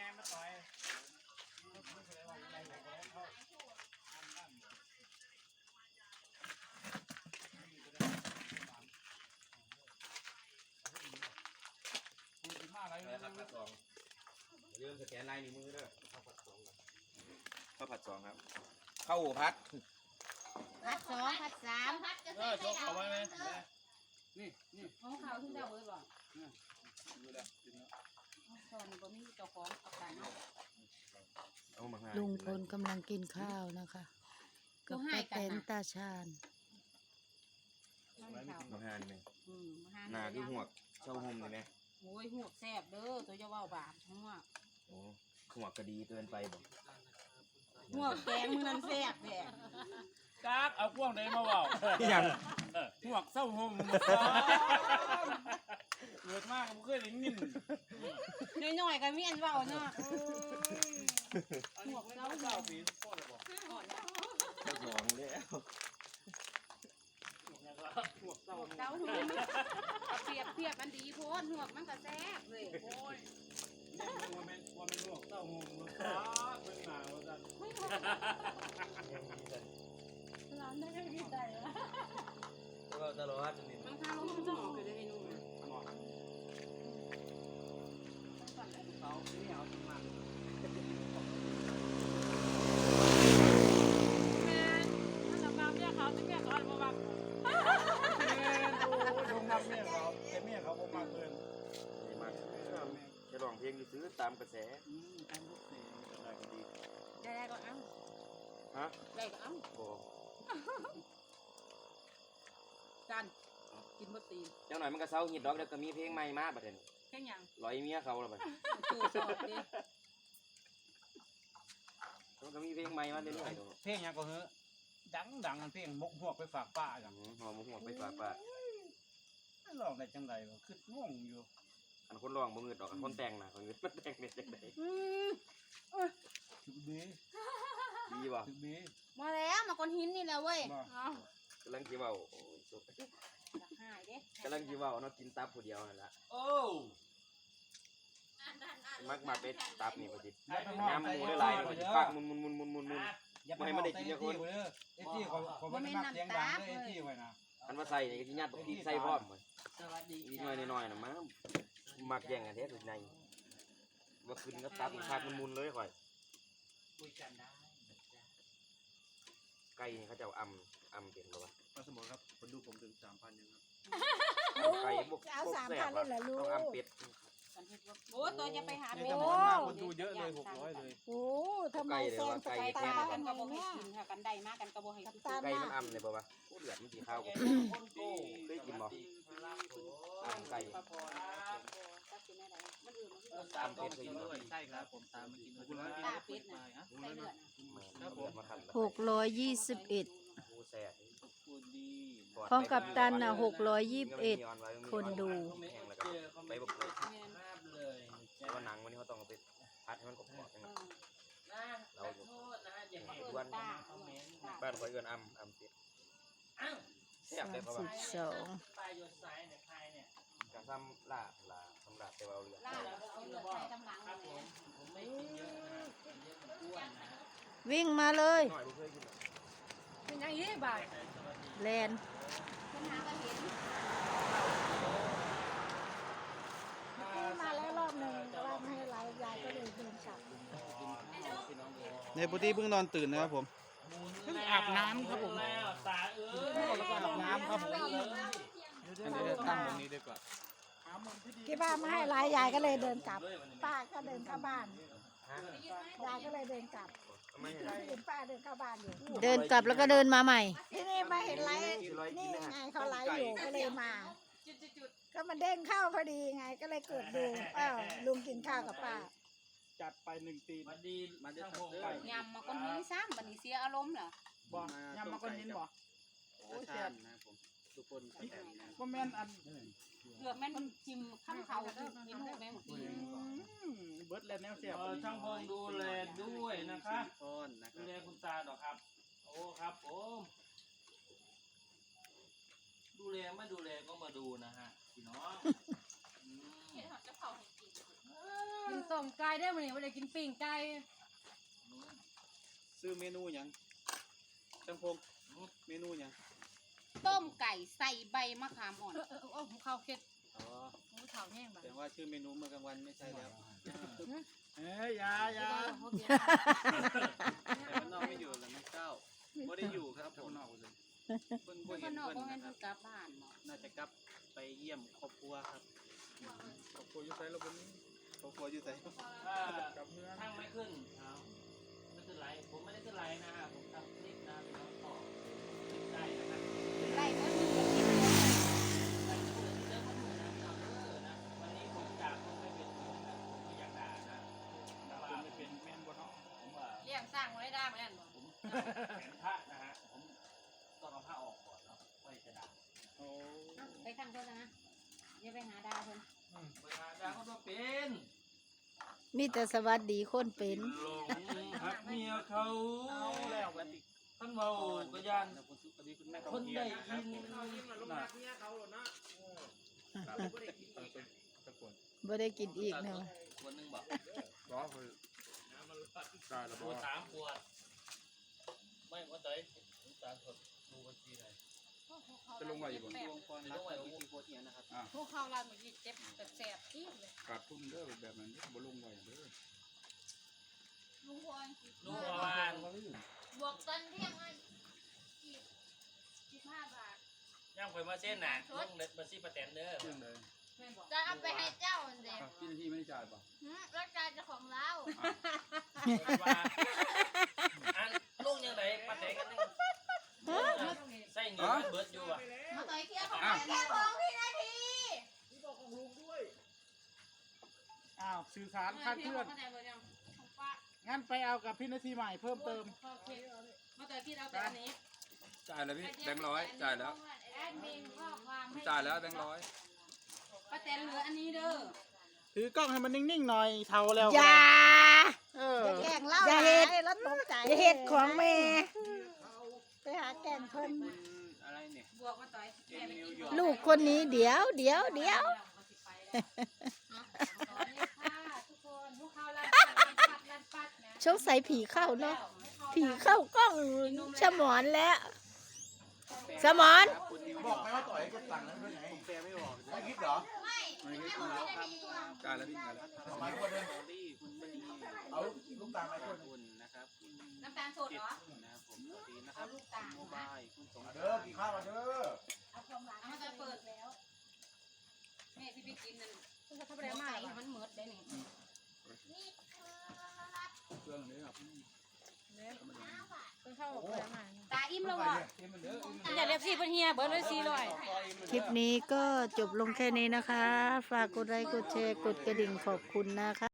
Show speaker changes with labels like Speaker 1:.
Speaker 1: มาต่อยอะไรครับผัดสองเรื่องสแกนลายนิ้วมือด้วยข้าวผัดสองครับข้าวผัด
Speaker 2: ผัดสองผัดสามผัดจะใส่ไข่เอาไว้ไหม
Speaker 1: นี่
Speaker 2: ของเขาที่เจ้าเอ้ยบอก
Speaker 1: ดูแล้ว
Speaker 2: ตอนนี้บ่มีเจ้าของเอาไปเนาะ
Speaker 3: ลุงพลกำลังกินข้าวนะคะกับป้าแตนตาชาญ
Speaker 1: มาหาหนึ่ง
Speaker 2: หน้า
Speaker 1: คือหัวเช่าห่มเลยไหม
Speaker 2: โอ้ยหัวแซ่บเด้อตัวจะว่าบาปหัว
Speaker 1: โอ้หัวกระดีเกินไปบ่
Speaker 2: หัวแกงมือนั้นแซ่บแหละ
Speaker 4: จักเอาพวกไหนมาเบา
Speaker 1: อย่าง
Speaker 4: หัวเศร้าห่มเกิดมากผมเคยได้ยิน
Speaker 2: น้อยๆก็มีอันเว้าเนาะ
Speaker 4: หัวเศร้าปีพ่อเลยบอก
Speaker 1: หองแล้วหัวเศร้า
Speaker 2: หัวเปรียบมันดีโพดหัวมันก็แซ่บเลยโอ้ย
Speaker 4: ว่าเป็นหัวเศร้าห่มมันเป็นหนาวจัง
Speaker 2: ร้านได้ก็กินได้แล้ว
Speaker 1: ก็ตลอดนี่
Speaker 2: มันข้าวมันจะออกเลยให้นุ่ม
Speaker 4: เขาไม่เอาจริงมาก
Speaker 2: แม่ถ้าเราบางเนี่ยเขาจะแก้ก่อนบ่บาง
Speaker 4: โอ้ยชงทำเมียเขาแต่เมียเขาบ่มากเกิน
Speaker 1: มากจะร้องเพลงซื้อตามกระแส
Speaker 4: ตามกระแสอะไรก็ดี
Speaker 2: ได้ก็เอา
Speaker 1: ฮะ
Speaker 2: ได้ก็เอา
Speaker 1: โอ้
Speaker 2: จันกินบะตี
Speaker 1: เจ้าหน่อยมันก็เศร้าหิดดอกเดี๋ยวก็มีเพลงใหม่มาบัดนี้
Speaker 2: เพลงยัง
Speaker 1: ร้อยเมียเขาแล้วบัด
Speaker 2: ตู้สอบดิ
Speaker 1: มันก็มีเพลงใหม่มาเรื่อย
Speaker 4: ๆเพลงยังก็เฮ้ดังเพลงมกหัวไปฝากป้าอย่าง
Speaker 1: หอมหัวไปฝากป้า
Speaker 4: ลองได้จังไรวะคืองงอยู่
Speaker 1: อันคนร้องบ่เงือดดอกคนแต่งน่ะคนเงือดมันแต่งเม็ดจังได๋
Speaker 4: ถึกดี
Speaker 1: บ่
Speaker 4: ถึกดี
Speaker 2: มาแล้วมาก้อนหินนี่แหละเว้ย
Speaker 1: กำลังสิเว้าโอ้ยสุด
Speaker 2: หายเด้
Speaker 1: กำลังสิเว้าเนาะกินตับผู้เดียวนั่นล่ะ
Speaker 4: โอ้
Speaker 1: มักไปตับนี่บ่สิน้ำหมูได้หลายบ่สิฟักมุนบ่ให้มันได้กินจักคน
Speaker 4: ไอ้ที่เขาบ่ได้มักเสียงดังเลยไอ้ที่ไว้นะ
Speaker 1: คันว่าใส่นี่ก็สิยัดบักพริกใส่พร้อมสวัสดีอีน้อยๆน่ะมามักแย่งกันแท้สุดในว่าขึ้นกับตับอีกภาคมุนเลยข่อย
Speaker 4: คุยกันได้
Speaker 1: ไก่นี่เขาจะเอาอำเป็นบ่วะ
Speaker 4: สมมติครับคนดูผมถึง 3,000ยังครับ
Speaker 1: ไก่บวก
Speaker 3: เอา 3,000เลยเหรอลูก
Speaker 1: ต้องอำเป็ด
Speaker 2: โอ้ตัวจะไปหาเป็ด
Speaker 4: คนดูเยอะเลย600เลย
Speaker 3: โอ้ทำไมแซงสายตา
Speaker 2: กันก็บ่ให้กินค่ะกันได้มากกันก็บ่ให้กิน
Speaker 1: ไก่มันอำเลยบ่วะโอ้เลือดมันสีขาวกว่าเคยกินบ่อำไก่
Speaker 4: ตามเป็ดเคยกินด้วยใช่ครับผมตามมากิน
Speaker 2: ตาเป็ดน่ะใส่เลือด
Speaker 3: 621ของกัปตันน่ะ621คนดู
Speaker 1: ไปบ่เกิดแต่ว่าหนังวันนี้เขาต้องเอาไปพัดให้มันกรอบๆจังเราอยู่บ้านข่อยเอิ้นอำเป็ดแซ่บเลยเพราะว่า
Speaker 3: 32
Speaker 1: กะซ้ำลาบสำหรับแต่ว่าเอาเลือด
Speaker 3: วิ่งมาเลย
Speaker 2: เป็นยังงี้บ่าย
Speaker 3: แลนมาแล้วรอบหนึ่งแต่ว่าไม่ให้ไลฟ์ยายก็เลยเดินกลับ
Speaker 4: ในปกติเพิ่งนอนตื่นนะครับผมเพิ่งอาบน้ำครับผมอาบน้ำครับผมเดี๋ยวตั้งตรงนี้ดีกว่า
Speaker 3: คิดว่าไม่ให้ไลฟ์ยายก็เลยเดินกลับป้าก็เดินเข้าบ้านยายก็เลยเดินกลับเห็นป้าเดินเข้าบ้านอยู่เดินกลับแล้วก็เดินมาใหม่ที่นี่มาเห็นไลฟ์นี่ไงเขาไลฟ์อยู่ก็เลยมาก็มันเด้งเข้าพอดีไงก็เลยเกิดดูลุงกินข้าวกับป้า
Speaker 4: จัดไป1 ตีมันดีมันจะทำได้
Speaker 2: ยำมาก้อนหินซ้ำบัดนี้เสียอารมณ์เหรอ
Speaker 4: บ่ยำมาก้อนหินบ่โอ้แซ่บนะผมทุกคนก็แม่นอัน
Speaker 2: เกือบแม่นจิ้มข้ามเขากินหูแม่หมด
Speaker 4: เบิร์ดแล้วแนวเสียบ
Speaker 5: ช่างพงดูแลด้วยนะคะดูแลคุณตาดอกครับโอ้ครับผมดูแลไม่ดูแลก็มาดูนะฮะพี่น้อง
Speaker 2: เห็นเขาจะเผาให้กินกินต้มไก่ได้มื้อนี้บ่ได้กินปิ้งไก่
Speaker 4: ซื้อเมนูหยังจังพงเมนูหยัง
Speaker 2: ต้มไก่ใส่ใบมะขามอ่อนหูข้าวเค็ด
Speaker 4: อ๋อ
Speaker 2: หูข้าวแห้งบ่
Speaker 4: แต่ว่าชื่อเมนูเมื่อกลางวันไม่ใช่แล้ว
Speaker 5: เอ้ยยา
Speaker 2: แต่
Speaker 4: แต่นอกไม่อยู่แล้วน้องเจ้าไม่ได้อยู่ครับผมเพิ่นบ่
Speaker 2: ข้า
Speaker 4: เห็
Speaker 2: ง
Speaker 4: น
Speaker 2: นอก
Speaker 4: เพิ่น
Speaker 2: บ่แม่น
Speaker 4: นะค
Speaker 2: เพิ่
Speaker 4: รับ
Speaker 2: นกลับบ้านเนาะ
Speaker 4: น่าจะกลับไปเยี่ยมครอบครัวครับ
Speaker 5: ครอบครัวอยู่ไสแล้ววันนี้
Speaker 4: ครอบครัวอยู่ไหน
Speaker 5: กับเมือง
Speaker 6: ช่างไม่ขึ้นเอาไม่ขึ้นไลฟ์ผมไม่ได้ขึ้นไลฟ์นะฮะผมทำคลิปนะพี่น้องต่อคลิปได้นะครับ
Speaker 2: ไล่เพิ่นมีกับกิน
Speaker 6: ใส่คู่ที่เจอคนอื่นนะพี่น้องนะวันนี้ผมจากคนไม่เป็นผมนะผมไม่อยากด่านะแต่ว่า
Speaker 5: ไม่เป็นแม่นบ่เนาะ
Speaker 6: ผมว่า
Speaker 2: เลี้ยงสร้างบ่ได้ด่าแม่นบ่
Speaker 6: ผมแขนพระนะฮะผมต้องเอาผ้าออกก่อนเนาะค่อยจะด่า
Speaker 5: โอ้
Speaker 2: ไปทางเพิ่นนะอย่าไปหาด่าเพิ่น
Speaker 6: เวลาด่าเขาต้องเป็น
Speaker 3: มีแต่สวัสดีคนเป็น
Speaker 6: หลงหักเมียเขา
Speaker 4: เอาแล้ววันนี้
Speaker 6: ท่านเมาก็ยัน
Speaker 4: นะคุณสุขดีคุณแม่
Speaker 6: คนได้ยิน
Speaker 4: น่ะ
Speaker 5: ตะกวน
Speaker 3: บ่ได้กินอีกเนาะ
Speaker 6: คนหนึงบอก
Speaker 5: ร้อคือตายแล้ว
Speaker 6: ป
Speaker 5: บ่
Speaker 6: วดสามปวดไม่ว่าใจผมตาสดดูบัญชีไหน
Speaker 5: จะลงไว้อยู่บ่
Speaker 4: วงกรรักวิธีโคตรเนี่ยนะครับ
Speaker 2: พวกเขาลานเมื่อกี้เจ็บแสบๆจี๊ดเลย
Speaker 5: ขาดทุนเด้อแบบนั้นบ่ลงไว้เด้อ
Speaker 2: ลุงพร
Speaker 6: ดูประมาณ
Speaker 2: บวกตอนเที่ยงให้15 บาท
Speaker 6: ย่างข่อยมาเส้นน่ะลงเด็ดบัญชีประแตนเด้อ
Speaker 5: เรื่องใด
Speaker 2: แม่นบอก
Speaker 7: จะเอาไปให้เจ้าอันเด็ก
Speaker 5: พี่นาทีไม่ได้จ่ายป่ะ
Speaker 7: รักการเจ้าของเรา
Speaker 6: ว่าอันลงยังไงประแตนกันนึงใส่เงินเบิดอยู่อ่ะ
Speaker 7: มาต่อยเคลียร์ของแค่ของพี่นาที
Speaker 4: อ้าวสื่อสารคลาดเคลื่อน
Speaker 2: เข้าใจบ่ยังของป้า
Speaker 4: งั้นไปเอากับพี่นาทีใหม่เพิ่มเติม
Speaker 2: โอเคมาต่อยพี่เอาแต่อันนี้
Speaker 1: จ่ายแล้วพี่แบงค์ร้อยจ่ายแล้ว
Speaker 2: แอดมินข้อความให้
Speaker 1: จ่ายแล้วแบงค์ร้อย
Speaker 2: ป้าแตนเหลืออันนี้เด้อ
Speaker 4: ถือกล้องให้มันนิ่งๆหน่อยเท่าแล้ว
Speaker 3: อย่า
Speaker 4: เออ
Speaker 3: แกล้งเล่า
Speaker 8: อย่าเฮ็ด
Speaker 3: หลแล้วตกใจ
Speaker 8: อย่าเฮ็ดของแม่
Speaker 3: ไปหาแกล้งเพิ่น
Speaker 4: อะไรเนี่ย
Speaker 2: บวกมาต่อยแม่ไปกินข้าว
Speaker 8: ลูกคนนี้เดี๋ยว
Speaker 2: ตอนนี้ค่ะทุกคนพวกเขาลัดปัดนะ
Speaker 8: สงสัยผีเข้าเนาะผีเข้ากล้องสมอนแล้ว สมอน
Speaker 9: บอกไหมว่าต่อยก็สั่งแล้วด้วยไง
Speaker 4: แปลไม่บอก
Speaker 9: ไม่คิดเหรอ
Speaker 4: ไม่คิดเหรอครับ
Speaker 1: จ่ายแล้วพี่จ่ายแล้ว
Speaker 9: ทำไมคนนึง
Speaker 4: ลี่คุณมณี
Speaker 9: เอาลูกตาลไหมคนนึง
Speaker 4: คุณนะครับ
Speaker 2: น้ำตาลสดเหรอ
Speaker 4: นะครับผมสวัสดีนะครับโมบายคุณสง
Speaker 9: มาเด้อกินข้าวมาเด้อ
Speaker 2: เอามาจะเปิดแล้วแม่ที่ไปกินนั่นเขาไปได้มามันเหมือดได้นี่
Speaker 5: เครื่องนี้ครับ
Speaker 2: ตาอิ่มแล้วอ่ะอย่าเรียบสิเพิ่นเฮียเบิดเลย400
Speaker 8: คลิปนี้ก็จบลงแค่นี้นะคะ ฝากกดไลค์กดแชร์กดกระดิ่งขอบคุณนะคะ